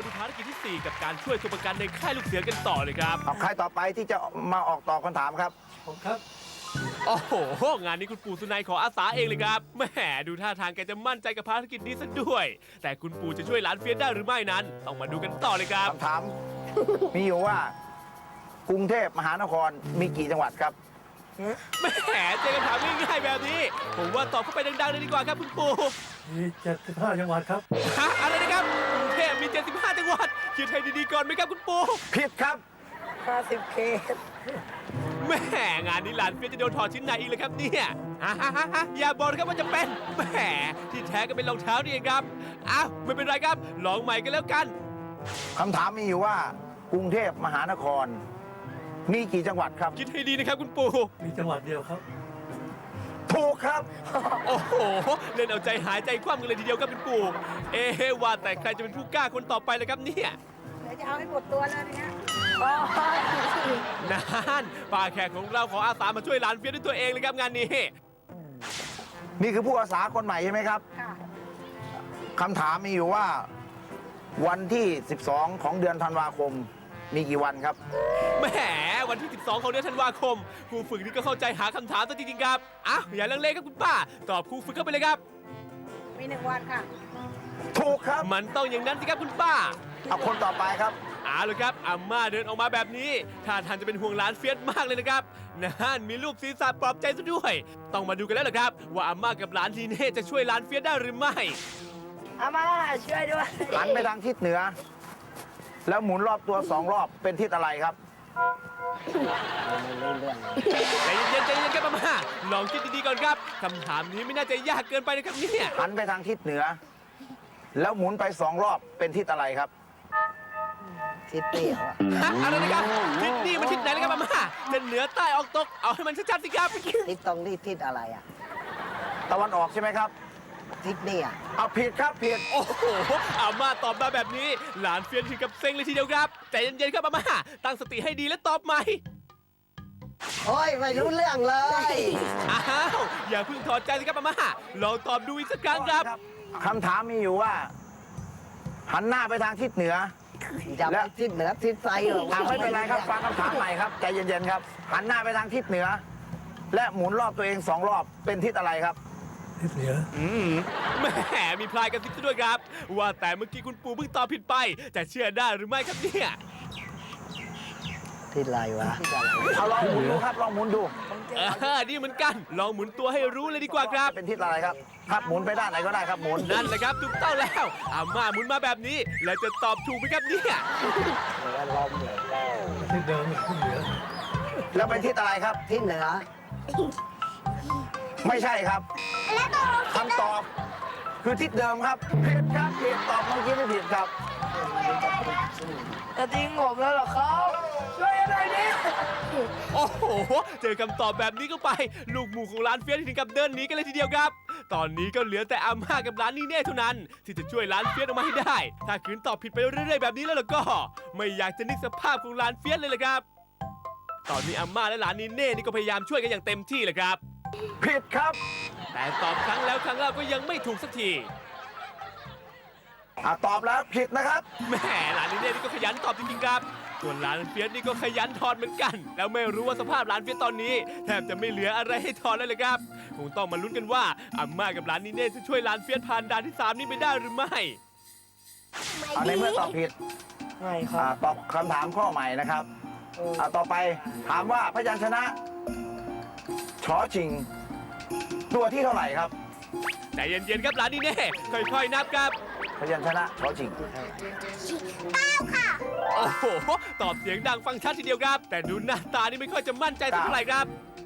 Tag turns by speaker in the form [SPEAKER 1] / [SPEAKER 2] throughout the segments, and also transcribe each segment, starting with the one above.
[SPEAKER 1] มาดูภารกิจที่ 4 กับการช่วยตัวประกันในค่ายลูกเสือกันต่อเลยครับ
[SPEAKER 2] เอาใครต่อไปที่จะมาออกตอบคำถามครับ
[SPEAKER 3] ผมครับ
[SPEAKER 1] โอ้โห งานนี้คุณปู่สุนัยขออาสาเองเลยครับแหมดูท่าทางแกจะมั่นใจกับภารกิจนี้ซะด้วย แต่คุณปู่จะช่วยหลานเฟียสได้หรือไม่นั้น ต้องมาดูกันต่อเลยครับ
[SPEAKER 2] คำถาม มีอยู่ว่ากรุงเทพมหานครมีกี่จังหวัดครับ
[SPEAKER 1] แหมเจอคำถามง่ายๆแบบนี้ ผมว่าตอบเข้าไปดังๆเลยดีกว่าครับคุณปู่
[SPEAKER 3] มี75จังหวัดครับ
[SPEAKER 1] ฮะอะไรนะครับกรุงเทพมี 75 จังหวัดคิดให้ดีๆก่อนไหมครับคุณปู่
[SPEAKER 2] ผิดครับ
[SPEAKER 4] 50 เคส
[SPEAKER 1] แหมงานนี้หลานเฟียสจะโดนถอดชิ้นไหนอีกเลยครับเนี่ยฮะอย่าบอกนะครับว่าจะเป็นแหมที่แท้ก็เป็นรองเท้านี่เองครับอ้าวไม่เป็นไรครับลองใหม่กันแล้วกัน
[SPEAKER 2] คำถามมีอยู่ว่ากรุงเทพมหานคร มีกี่จังหวัดครับ
[SPEAKER 1] คิดให้ดีนะครับคุณปู่
[SPEAKER 3] มีจังหวัดเดียวครับ
[SPEAKER 2] ถูกครับ
[SPEAKER 1] โอ้โหเล่นเอาใจหายใจคว่ำกันเลยทีเดียวครับคุณปู่เอ๊ะว่าแต่ใครจะเป็นผู้กล้าคนต่อไปเลยครับเนี่ย
[SPEAKER 4] เดี๋ยวจะเอาให้หมดตัวเลยนะ
[SPEAKER 1] นั่นป้าแขกของเราขออาสามาช่วยหลานเฟียสด้วยตัวเองเลยครับงานนี้
[SPEAKER 2] นี่คือผู้อาสาคนใหม่ใช่ไหมครับ
[SPEAKER 4] ค่ะ
[SPEAKER 2] คำถามมีอยู่ว่า วันที่ 12 ของเดือนธันวาคม มีกี่วันครับ
[SPEAKER 1] แหมวันที่ 12 ของเดือนธันวาคมครูฝึกนี่ก็เข้าใจหาคำถามซะจริงๆครับอ้าวอย่าลังเลครับคุณป้า ตอบครูฝึกเข้าไปเลยครับ
[SPEAKER 4] มี1 วันค่ะ
[SPEAKER 2] ถูกครับ
[SPEAKER 1] มันต้องอย่างนั้นสิครับคุณป้า
[SPEAKER 2] เอาคนต่อไปครับ
[SPEAKER 1] เอาเลยครับอาม่าเดินออกมาแบบนี้ท่าทางจะเป็นห่วงหลานเฟียสมากเลยนะครับนั่นมีรูปศีรษะปลอบใจซะด้วย ต้องมาดูกันแล้วล่ะครับ ว่าอาม่ากับหลานทีเน่จะช่วยหลานเฟียสได้หรือไม่
[SPEAKER 4] อามาช่วยด้วย
[SPEAKER 2] หันไปทางทิศเหนือ แล้วหมุนรอบตัว 2 รอบเป็นทิศอะไรครับ
[SPEAKER 1] ใจเย็นๆใจเย็นๆครับอาม่าลองคิดดีๆก่อนครับคำถามนี้ไม่น่าจะยากเกินไปนะครับเนี่ย
[SPEAKER 2] หันไปทางทิศเหนือ แล้วหมุนไป 2 รอบเป็นทิศอะไรครับ
[SPEAKER 4] ทิศเตี้ยวอะ
[SPEAKER 1] ฮะอะไรนะครับทิศนี่มันทิศไหนนะครับอาม่าจะเหนือใต้ออกตกเอาให้มันชัดๆสิครับ
[SPEAKER 4] ทิศตรงนี้ทิศอะไรอ่ะ
[SPEAKER 2] ตะวันออกใช่ไหมครับ
[SPEAKER 4] ทิศนี่อ่ะ
[SPEAKER 2] เอาผิดครับผิด
[SPEAKER 1] โอ้โหอาม่าตอบมาแบบนี้ หลานเฟียสถึงกับเซ็งเลยทีเดียวครับใจเย็นๆครับอาม่าตั้งสติให้ดีและตอบใหม่
[SPEAKER 4] โอ้ยไม่รู้เรื่องเลย
[SPEAKER 1] อ้าวอย่าเพิ่งถอดใจสิครับอาม่าลองตอบดูอีกสักครั้งครับ
[SPEAKER 2] คำถามมีอยู่ว่า หันหน้าไปทางทิศเหนือ
[SPEAKER 4] จะไปทิศเหนือทิศไซหรอ
[SPEAKER 2] ไม่เป็นไรครับ ฟังคำถามใหม่ครับ ใจเย็นๆครับ หันหน้าไปทางทิศเหนือ และหมุนรอบตัวเอง 2 รอบ เป็นทิศอะไรครับ
[SPEAKER 3] ทิศเหนือ
[SPEAKER 1] แหมมีพลายกระซิบซะด้วยครับ ว่าแต่เมื่อกี้คุณปู่เพิ่งตอบผิดไป จะเชื่อได้หรือไม่ครับเนี่ย
[SPEAKER 4] ทิศอะไรวะ
[SPEAKER 2] เอาลองหมุนดูครับ ลองหมุนดู
[SPEAKER 1] ดีเหมือนกัน ลองหมุนตัวให้รู้เลยดีกว่าครับ
[SPEAKER 2] เป็นทิศอะไรครับ ครับหมุนไปด้านไหนก็ได้ครับ หมุน
[SPEAKER 1] นั่นแหละครับถูกต้องแล้วอาม่าหมุนมาแบบนี้ แล้วจะตอบถูกไหมครับเนี่ย
[SPEAKER 3] ทิศเดิมทิศเหนือ
[SPEAKER 2] แล้วเป็นทิศอะไรครับ
[SPEAKER 4] ทิศเหนือ
[SPEAKER 2] ไม่ใช่ครับคำตอบ คือทิศเดิมครับผิดครับผิดตอบเมื่อกี้ไม่ผิดครับ
[SPEAKER 4] จะทิ้งผมแล้วเหรอครับช่วยหน่อยดิ
[SPEAKER 1] โอ้โห เจอคำตอบแบบนี้ก็ไป ลูกหมูของร้านเฟียสถึงกับเดินหนีกันเลยทีเดียวครับ ตอนนี้ก็เหลือแต่อาม่ากับร้านนีเน่เท่านั้น ที่จะช่วยร้านเฟียสออกมาให้ได้ ถ้าขืนตอบผิดไปเรื่อยๆแบบนี้แล้วล่ะก็ ไม่อยากจะนึกสภาพของร้านเฟียสเลยล่ะครับ ตอนนี้อาม่าและร้านนีเน่นี่ก็พยายามช่วยกันอย่างเต็มที่เลยครับ
[SPEAKER 2] ผิดครับ
[SPEAKER 1] แต่ตอบครั้งแล้วครั้งเล่าก็ยังไม่ถูกสักที
[SPEAKER 2] ตอบแล้วผิดนะครับ
[SPEAKER 1] แหมร้านนีเน่นี่ก็ขยันตอบจริงๆครับ ส่วนร้านเฟียสนี่ก็ขยันถอดเหมือนกัน แล้วไม่รู้ว่าสภาพร้านเฟียสตอนนี้แทบจะไม่เหลืออะไรให้ถอดเลยครับ คงต้องมาลุ้นกันว่าอาม่ากับร้านนีเน่จะช่วยร้านเฟียสผ่านด่านที่ 3 นี้ไปได้หรือไม่
[SPEAKER 2] ในเมื่อตอบผิด
[SPEAKER 4] ไม่ครับ
[SPEAKER 2] ตอบคำถามข้อใหม่นะครับต่อไปถามว่าพยัญชนะชอชิง ตัวที่เท่าไหร่ครับ
[SPEAKER 1] ใจเย็นๆครับร้านนีเน่ค่อยๆนับครับ
[SPEAKER 2] พยัญชนะชอชิง
[SPEAKER 1] โอ้โห ตอบเสียงดังฟังชัดทีเดียวครับ แต่ดูหน้าตานี่ไม่ค่อยจะมั่นใจสักเท่าไหร่ครับ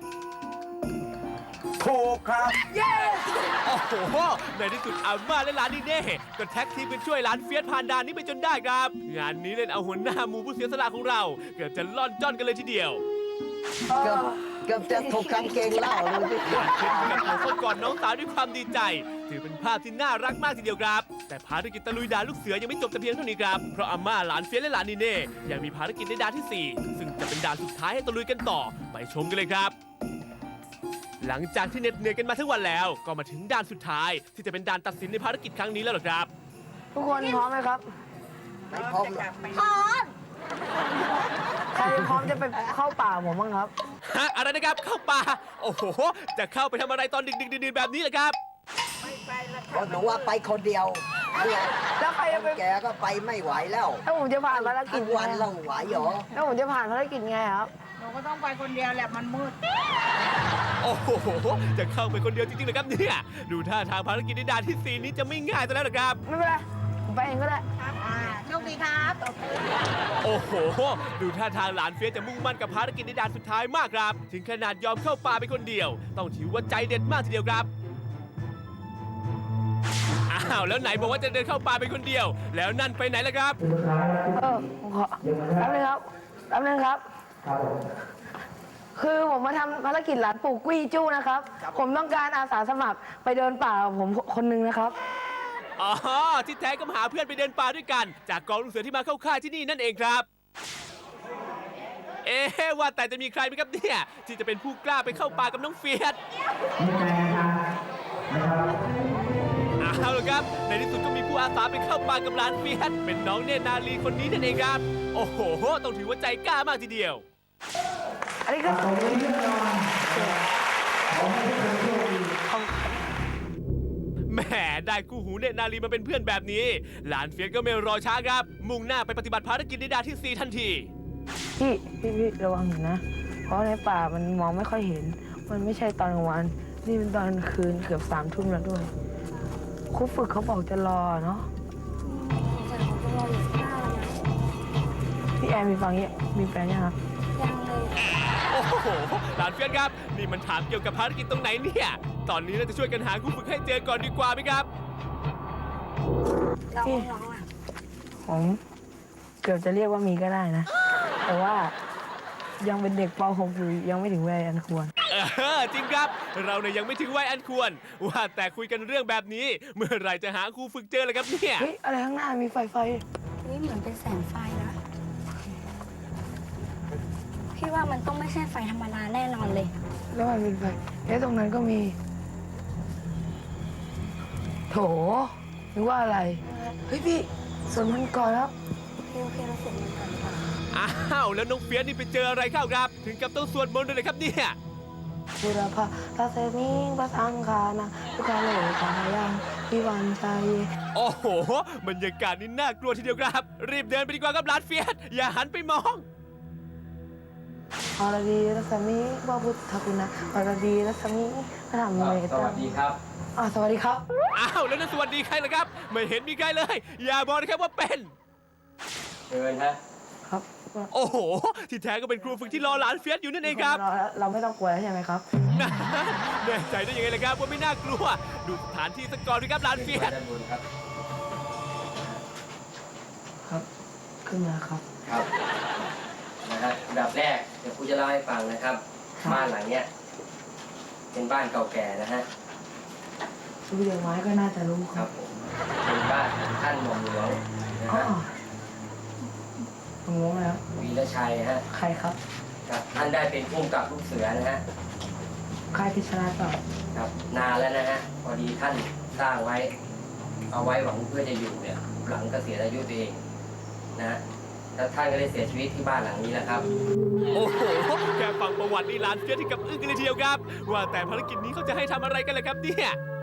[SPEAKER 2] ถูกครับ
[SPEAKER 1] โอ้โห ในที่สุดอาม่าและร้านนีเน่ก็แท็กทีมกันช่วยร้านเฟียสผ่านด่านนี้ไปจนได้ครับ งานนี้เล่นเอาหัวหน้าหมูผู้เสียสละของเรา เกือบจะล่อนจ้อนกันเลยทีเดียว
[SPEAKER 4] เกือบจะถูกกางเกงเหล่าเลยพี่
[SPEAKER 1] หวานเช็ดกับหัวเข้ากอดน้องสาวด้วยความดีใจ ถือเป็นภาพที่น่ารักมากทีเดียวครับ แต่ภารกิจตะลุยด่านลูกเสือยังไม่จบแต่เพียงเท่านี้ครับ เพราะอาม่าหลานเฟียสและหลานนีเน่ยังมีภารกิจในด่านที่ 4 ซึ่งจะเป็นด่านสุดท้ายให้ตะลุยกันต่อ ไปชมกันเลยครับ หลังจากที่เหน็ดเหนื่อยกันมาทั้งวันแล้ว ก็มาถึงด่านสุดท้าย ที่จะเป็นด่านตัดสินในภารกิจครั้งนี้แล้วหรอครับ
[SPEAKER 4] ทุกคนพร้อมไหมครับไม่พร้อมหรอก
[SPEAKER 5] พร้อม
[SPEAKER 6] ใครพร้อมจะไปเข้าป่าผมบ้างครับ
[SPEAKER 1] ฮะอะไรนะครับเข้าป่าโอ้โหจะเข้าไปทำอะไรตอนดึกๆดื่นๆแบบนี้ล่ะครับ
[SPEAKER 4] ก็หนูว่าไปคนเดียวเนี่ย
[SPEAKER 6] แล้วใครจะไป
[SPEAKER 4] แกก็ไปไม่ไหวแล้ว
[SPEAKER 6] แล้วผมจะผ่านภารกิจ
[SPEAKER 4] ทั้งวันเราไหวเหรอ
[SPEAKER 6] แล้วผมจะผ่านภารกิจไงครับ
[SPEAKER 5] หนูก็ต้องไปคนเดียวแหละมันมืด
[SPEAKER 1] โอ้โหจะเข้าไปคนเดียวจริงๆเหรอครับเนี่ยดูท่าทางภารกิจในด่านที่ 4 นี้จะไม่ง่ายซะแล้วนะครับ
[SPEAKER 6] ไม่เป็นไร ผมไปเองก็ได้
[SPEAKER 5] โชคดีครับ
[SPEAKER 1] โอ้โห ดูท่าทางหลานเฟียสจะมุ่งมั่นกับภารกิจในด่านสุดท้ายมากครับ ถึงขนาดยอมเข้าป่าไปคนเดียว ต้องถือว่าใจเด็ดมากทีเดียวครับ อ้าว แล้วไหนบอกว่าจะเดินเข้าป่าไปคนเดียว แล้วนั่นไปไหนล่ะครับ
[SPEAKER 6] ผมขอแป๊บนึงครับแป๊บนึงครับ คือผมมาทำภารกิจหลานปู่กุ้ยจู้นะครับ ผมต้องการอาสาสมัครไปเดินป่ากับผมคนหนึงนะครับ
[SPEAKER 1] อ๋อ ที่แท้ก็มาหาเพื่อนไปเดินป่าด้วยกัน จากกองลูกเสือที่มาเข้าค่ายที่นี่นั่นเองครับ เอ๊ะว่าแต่จะมีใครไหมครับเนี่ยที่จะเป็นผู้กล้าไปเข้าป่ากับน้องเฟียสเอาละครับ ในที่สุดก็มีผู้อาสาไปเข้าป่ากับหลานเฟียสเป็นน้องเนตรนาลีคนนี้นั่นเองครับ โอ้โห ต้องถือว่าใจกล้ามากทีเดียว
[SPEAKER 6] อันนี้ก็
[SPEAKER 1] แหมได้คู่หูเนตรนาลีมาเป็นเพื่อนแบบนี้ หลานเฟียสก็ไม่รอช้าครับ มุ่งหน้าไปปฏิบัติภารกิจในด่านที่ 4 ทันที
[SPEAKER 6] พี่ระวังหน่อยนะ เพราะในป่ามันมองไม่ค่อยเห็น มันไม่ใช่ตอนกลางวัน นี่เป็นตอนกลางคืนเกือบ3 ทุ่มแล้วด้วยครูฝึกเขาบอกจะรอเนาะ
[SPEAKER 5] แต่ผมจะรออยู่ข้างหน้าแล้วนะ
[SPEAKER 6] พี่แอนมีฟังเงี้ยมีแฟนยังครับ
[SPEAKER 5] ยังเลย
[SPEAKER 1] โอ้โห หลานเฟียสครับ นี่มันถามเกี่ยวกับภารกิจตรงไหนเนี่ย ตอนนี้เราจะช่วยกันหาคู่ฝึกให้เจอก่อนดีกว่าไหมครับ
[SPEAKER 5] น้องน้องอ่ะ
[SPEAKER 6] ผมเกือบจะเรียกว่ามีก็ได้นะ แต่ว่ายังเป็นเด็กป .6 อยู่ยังไม่ถึงวัยอันควร
[SPEAKER 1] จริงครับ เราเนี่ยยังไม่ถึงวัยอันควร ว่าแต่คุยกันเรื่องแบบนี้ เมื่อไหรจะหาครูฝึกเจอเลยครับเนี่ย
[SPEAKER 6] เฮ้ย อะไรข้างหน้ามีไฟ
[SPEAKER 5] นี่เหมือนเป็นแสงไฟนะ พี่ว่ามันต้องไม่ใช่ไฟธรรมดาแน่นอนเลย
[SPEAKER 6] แล้วมันเป็นไฟแล้วตรงนั้นก็มี โถนึกว่าอะไร เฮ้ยพี่สวนมันก่อนครับ
[SPEAKER 5] โอเคเราเสร็จมันกันดีกว่า
[SPEAKER 1] อ้าว แล้วน้องเฟียสนี่ไปเจออะไรเข้าครับ ถึงกับต้องสวดมนต์เลยครับเนี่ย
[SPEAKER 6] บุรพาตาเซมิงปะสังคานะทุกขาโลกายังพิวันใจ
[SPEAKER 1] โอ้โห บรรยากาศนี่น่ากลัวทีเดียวครับ รีบเดินไปดีกว่าครับหลานเฟียส อย่าหันไปมอง
[SPEAKER 6] อรดีรัศมีบาพุทธคุณนะอรดีรัศมีพระธรรมเมต
[SPEAKER 7] ส
[SPEAKER 6] ตา
[SPEAKER 7] วัสดีครับ
[SPEAKER 6] สวัสดีครับ
[SPEAKER 1] อ้าว แล้วนั่นสวัสดีใครล่ะครับ ไม่เห็นมีใครเลย อย่าบอกนะครับว่าเป็น
[SPEAKER 7] เชิญฮะ
[SPEAKER 6] ครับ
[SPEAKER 1] โอ้โห ที่แท้ก็เป็นครูฝึกที่รอหลานเฟียสอยู่นั่นเองครับ
[SPEAKER 6] เราไม่ต้องกลัวแล้วใช่ไหมครับ
[SPEAKER 1] แน่ใจได้ยังไงล่ะครับว่าไม่น่ากลัว ดูสถานที่สักก่อนดีครับหลานเฟียส
[SPEAKER 7] ด้านบนครับ
[SPEAKER 6] ครับ ขึ้นมาครับ
[SPEAKER 7] ครับ นะฮะอันดับแรกเดี๋ยวครูจะเล่าให้ฟังนะครับ บ้านหลังเนี้ยเป็นบ้านเก่าแก่นะฮะ
[SPEAKER 6] ดูอย่างไม้ก็น่าจะรู้ค
[SPEAKER 7] ค
[SPEAKER 6] รั
[SPEAKER 7] รั
[SPEAKER 6] บบ
[SPEAKER 7] ผมเป็นบ้านของท่านหม่อมหลวงนะ
[SPEAKER 6] อ๋อ
[SPEAKER 7] ฮะ
[SPEAKER 6] ผมรู้แล้ว
[SPEAKER 7] วีรชัยฮะ
[SPEAKER 6] ใครครับ
[SPEAKER 7] ครับท่านได้เป็นผู้กำกับลูกเสือนะฮะ
[SPEAKER 6] ใครพิชนาต่อ
[SPEAKER 7] ครับ นานแล้วนะฮะ พอดีท่านสร้างไว้ เอาไว้หวังเพื่อจะอยู่เนี่ย หลังเกษียณอายุตัวเองนะฮะแล้วท่านก็ได้เสียชีวิตที่บ้านหลังนี้แหละครับ
[SPEAKER 1] โอ้โห แค่ฟังประวัตินี่หลานเฟียสถึงกับอึ้งกันเลยทีเดียวครับ ว่าแต่ภารกิจนี้เขาจะให้ทำอะไรกันล่ะครับเนี่ย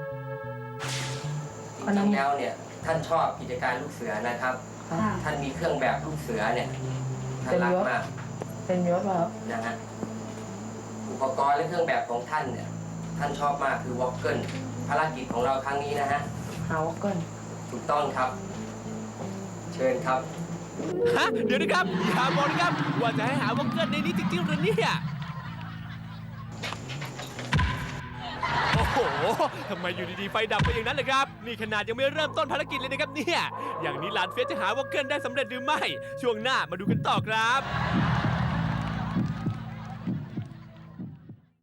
[SPEAKER 7] จริงๆแล้วเนี่ยท่านชอบกิจการลูกเสือนะครับ ท่านมีเครื่องแบบลูกเสือเนี่ยท่านรักมาก
[SPEAKER 6] เป็นยศเปล่าครับ
[SPEAKER 7] นะฮะอุปกรณ์และเครื่องแบบของท่านเนี่ยท่านชอบมากคือวอลเกิลภารกิจของเราครั้งนี้นะฮะ
[SPEAKER 6] หาวอกเกิล
[SPEAKER 7] ถูกต้องครับ เชิญครับ
[SPEAKER 1] ฮะ เดี๋ยวนะครับ อย่าบอกนะครับ ว่าจะให้หาวอกเกิลในนี้จริงๆหรือเนี่ย โอ้โห ทำไมอยู่ดีๆไฟดับไปอย่างนั้นเลยครับ นี่ขนาดยังไม่เริ่มต้นภารกิจเลยนะครับเนี่ย อย่างนี้หลานเฟียสจะหาวอกเกิลได้สำเร็จหรือไม่ ช่วงหน้ามาดูกันต่อครับ